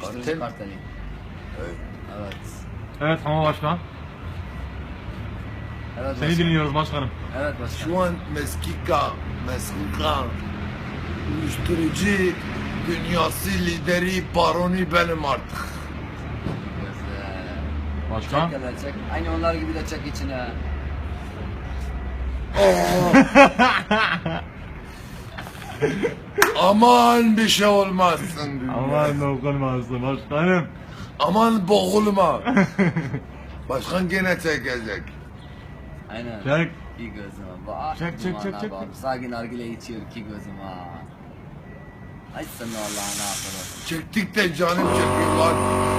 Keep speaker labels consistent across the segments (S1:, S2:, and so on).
S1: Kartel.
S2: Karteli.
S1: Evet.
S2: Evet.
S3: Evet ama başkan.
S2: Evet
S3: Seni
S2: başkan.
S3: dinliyoruz başkanım.
S2: Evet başkan.
S1: Şu an meskika, uyuşturucu dünyası lideri, baroni benim artık.
S2: Güzel.
S3: Başkan.
S2: Çek hele çek. Aynı onlar gibi de çek içine.
S1: Aman bir şey olmazsın dünya.
S3: Aman dokunmasın başkanım.
S1: Aman boğulma. Başkan gene çekecek.
S2: Aynen.
S3: Çek.
S2: İki gözüm var.
S3: Çek, çek, çek, çek.
S2: Sakin nargile içiyor iki gözüm var. Ay sen Allah'ına affedersin.
S1: Çektik de canım çekiyorlar.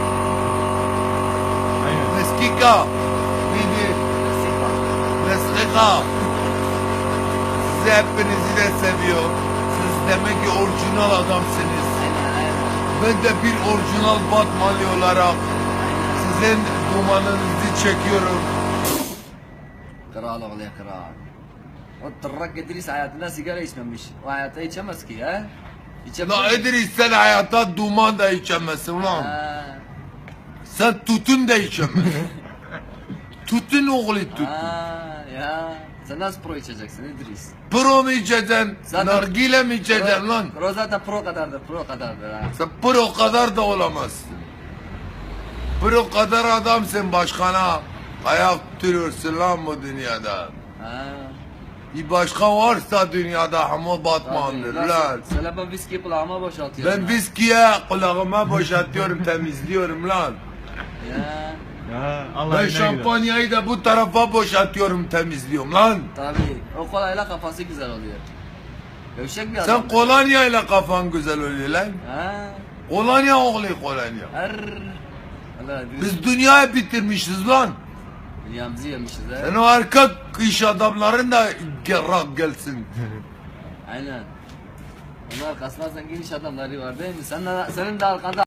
S3: Aynen.
S1: Meskika. Neydi? Meskika. Sizi hepinizi de seviyorum. Siz demek ki orijinal adamsınız.
S2: Aynen aynen.
S1: Ben de bir orijinal Batmanlı olarak sizin dumanınızı çekiyorum.
S2: Kral oğlu ya kral. O tırrak İdris hayatında sigara içmemiş. O hayatta içemez ki ya. İçemez.
S1: La İdris sen hayatta duman da içemezsin lan.
S2: Ha.
S1: Sen tutun da içemezsin. Tutun oğlu tutun.
S2: Ha ya. Sen nasıl pro içeceksin İdris?
S1: Pro mu içeceksin?
S2: Zaten-
S1: Nargile mi içeceksin lan?
S2: Pro zaten pro kadardır, pro kadardır ha.
S1: Sen pro kadar da olamazsın. Pro kadar adamsın başkana. Ayak tutuyorsun lan bu dünyada.
S2: Ha.
S1: Bir başkan varsa dünyada ama Batman'dır
S2: Tabii,
S1: lan.
S2: nasıl? Söyle ben viski kulağıma boşaltıyorum.
S1: Ben
S2: ha.
S1: viskiye kulağıma boşaltıyorum, temizliyorum lan.
S2: Ya.
S3: Ya Allah
S1: Ben
S3: yine gider.
S1: şampanyayı da bu tarafa boşaltıyorum, temizliyorum lan.
S2: Tabii. O kolayla kafası güzel oluyor. Gevşek bir adam.
S1: Sen kolonyayla kafan güzel oluyor lan.
S2: Ha.
S1: Kolonya oğlu kolonya.
S2: Her. Allah
S1: Biz dünyayı bitirmişiz lan.
S2: dünyamızı yemişiz ha.
S1: Sen o arka iş adamların da gelsin.
S2: Aynen. Onun arkasında zengin iş adamları var değil mi? Senin de arkanda